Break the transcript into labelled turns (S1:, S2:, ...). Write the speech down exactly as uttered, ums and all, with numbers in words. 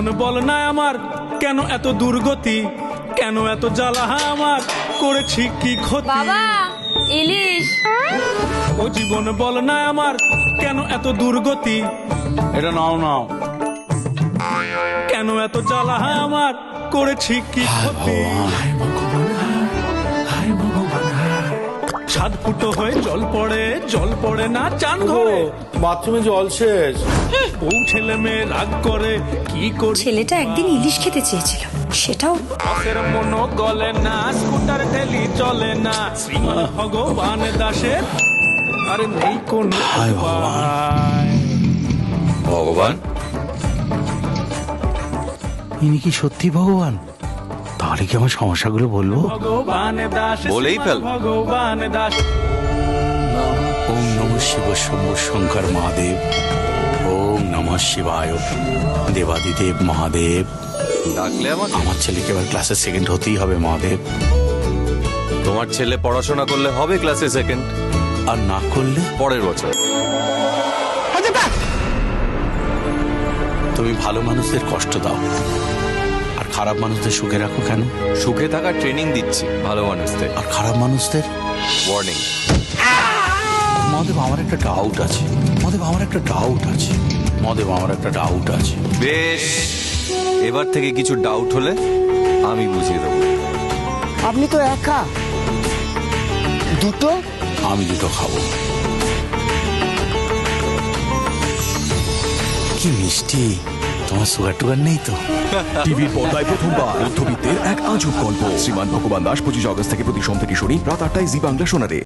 S1: জীবন বল না আমার কেন এত দুর্গতি, কেন এত জ্বালা আমার, করেছি কি ক্ষতি।
S2: বাবা ইলিশ।
S1: ও জীবন বল না আমার কেন এত দুর্গতি, এটা নাও নাও, কেন এত জ্বালা আমার, করেছি কি ক্ষতি। ছাদ ফুটো হয়ে জল পড়ে, জল পড়ে না চান ঘরে,
S3: বাথরুমে জল শেষ।
S1: বউ ছেলে মেয়ে রাগ করে কি করি।
S4: ছেলেটা একদিন ইলিশ খেতে চেয়েছিল, সেটাও
S1: বাসের মনো গলে না, স্কুটার ঠেলি চলে না, শ্রীমান ভগবান দাসের আরে নেই কোন উপায়।
S5: ভগবান,
S6: ইনি কি সত্যি ভগবান? তাহলে কি আমার সমস্যাগুলো বলবো?
S1: ভগবান দাস,
S5: বলেই ফেল।
S1: ভগবান দাস।
S6: ওম নম শিব শম্ভু শঙ্কর মহাদেব, ওম নম শিবায় দেবাদিদেব মহাদেব।
S5: ডাকলে আমাকে?
S6: আমার ছেলেকে এবার ক্লাসে সেকেন্ড হতেই হবে মহাদেব,
S5: তোমার ছেলে পড়াশোনা করলে হবে ক্লাসে সেকেন্ড,
S6: আর না করলে
S5: পরের বছর।
S6: তুমি ভালো মানুষদের কষ্ট দাও আর খারাপ মানুষদের সুখে রাখো কেন?
S5: সুখে থাকার ট্রেনিং দিচ্ছি ভালো মানুষদের।
S6: আর খারাপ মানুষদের
S5: ওয়ার্নিং।
S6: মহাদেব আমার একটা ডাউট আছে, মহাদেব আমার একটা ডাউট আছে, মহাদেব আমার একটা ডাউট আছে।
S5: বেশ, এবার থেকে কিছু ডাউট হলে আমি বুঝিয়ে দেবো।
S7: আপনি তো একা, দুটো
S6: আমি দুটো খাবো। কি মিষ্টি, তোমার সুগার টুগার নেই তো?
S8: টিভির পর্দায় প্রথমবার মধ্যবিত্তের এক আজব গল্প। শ্রীমান ভগবান দাস পঁচিশ আগস্ট থেকে প্রতি সোম থেকে শনি রাত আটটায় জি বাংলা শোনারে।